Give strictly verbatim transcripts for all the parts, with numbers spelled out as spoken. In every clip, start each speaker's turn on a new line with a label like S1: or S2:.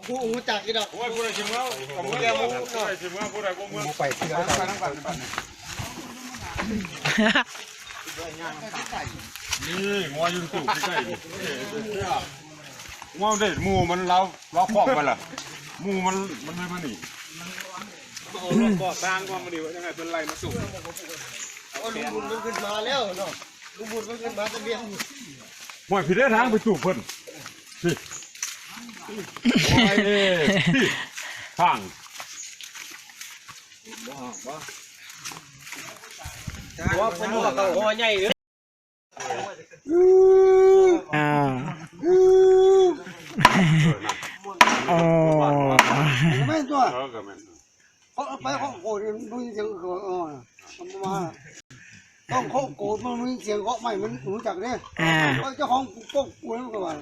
S1: ผู้หูจักกี่ดอกว่าผู้ใดชิมแล้วกับผู้ใดผู้ใดชิมแล้วผู้ใดกูเมื่อไปที่ร้านไปทั้งวันนี่งัวยืนตู่ใกล้ๆงัวเด็ดมูมันเราเราคล้องไปละมูมันมันไม่มาหนีเอาลูกก่อสร้างความมาดีว่ายังไงเป็นไรมาสู่เอาลุงบุญมันขึ้นมาแล้วเนาะลุงบุญมันขึ้นมาตะเบียงหมวยผิดได้ทางไปสู่เพิ่นพี่โอ้ยพี่ทางว่าเป็นหัวกับหัวใหญ่เลย
S2: อ่าอ๋อ
S1: ไม่ตัวเขาไปเขาโกรธมันมีเสียงเขาอ๋อมาต้องเขาโกรธมันมีเสียงเขาไม่มันรู้จักเนี่ยเจ้าของพวกกูนั่นก็ว่า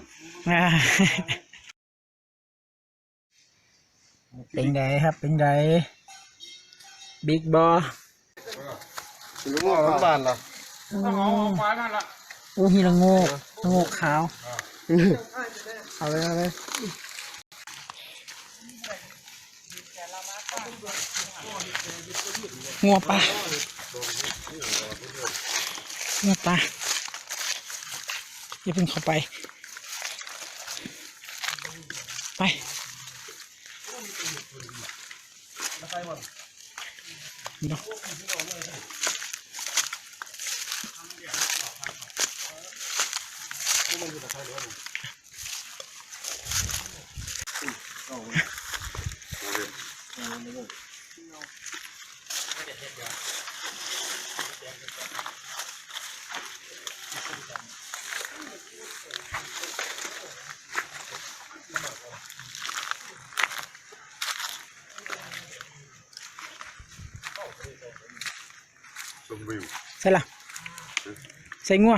S2: เป็นไงครับเป็นไงบิ๊กบอ
S1: หรือว่าบ้านล่ะ
S2: โอ้ฮีละโงกละโงกขาวเอาเลยเอาเลยงัวปลางัวปลาอย่าเพิ่งเข้าไปไปเนาะใช่ละใส่งัว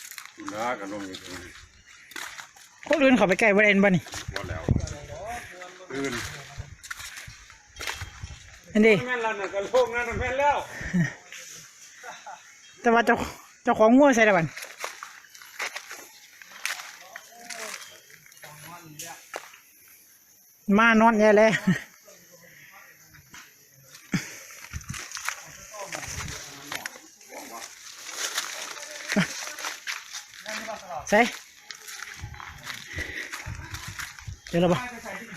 S2: คนอื่นเขาไปใกล้วันเอ็นบ้านี่อันนี้แต่ว่าเจ้าเจ้าของงัวใส่ละบันมานอนแย่เลยใส่เดี๋ยวเราบ่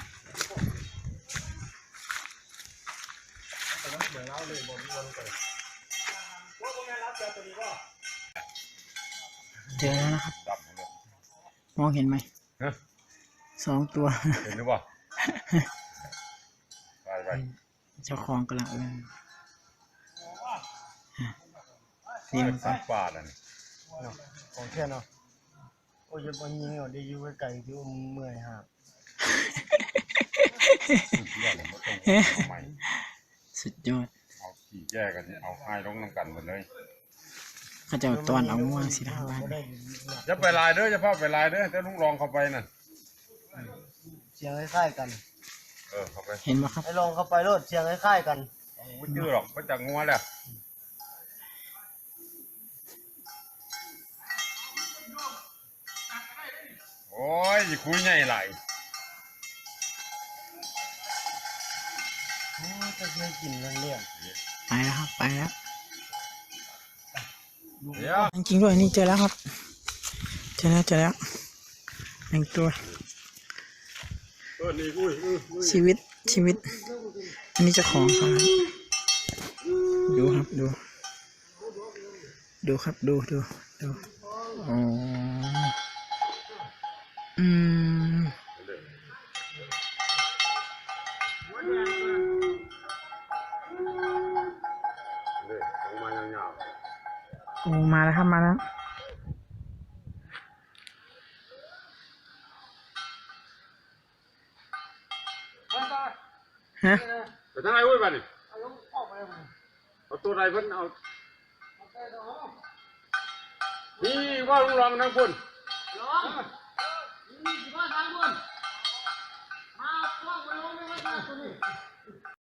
S2: เจอแล้วนะครับมองเห็นไหมสองตัว
S1: เห็นหรือเปล่าไปไป
S2: เจ้าของกำลังเอิ้น
S1: นี่มันสัตว์ป่าน่ะ
S3: ของแค่เนาะโอ้ยวันยิงเอาได้อยู่ไกลที่เมื่อยฮะ
S2: สุดยอด
S1: เอาขี่แยกกันเอาให้ลงน้ำกันหมดเลย
S2: เขาจะตอนเอาง่วงสินะบ้าน
S1: จะไปลายเด้อจะพ่อไปลายเด้อจะลุงลองเข้าไปน่ะ
S3: เสียงคล้ายๆกัน
S1: เออเข้าไป
S2: เห็นไหมครับ
S3: ให้ลองเข้าไปรถเสียงคล้ายๆกัน
S1: ไม่ยืดหรอกก็จากงัวแหละโอ้ยคุยใหญ่ไหล
S3: จะไม่กินเรื่องเรื่อง
S2: ไปแล้วครับไปแล้วจริงๆด้วยนี่เจอแล้วครับเจอแล้วเจอแล้วหนึ่งตัวชีวิตชีวิตอันนี้เจ้าของครับดูครับดูดูครับดูดูดูอ๋ออืมโอ้มาแล้วครับมาแล้วฮะ
S1: ไปทางไหนเว้ยบ้านนี่เอาตัวใดเพิ่นเอานี่ว่าลุงลองนั่งพุ่นลองนี่สิว่าทางพุ่นมาพวกมันลงไม่ว่าตัวนี้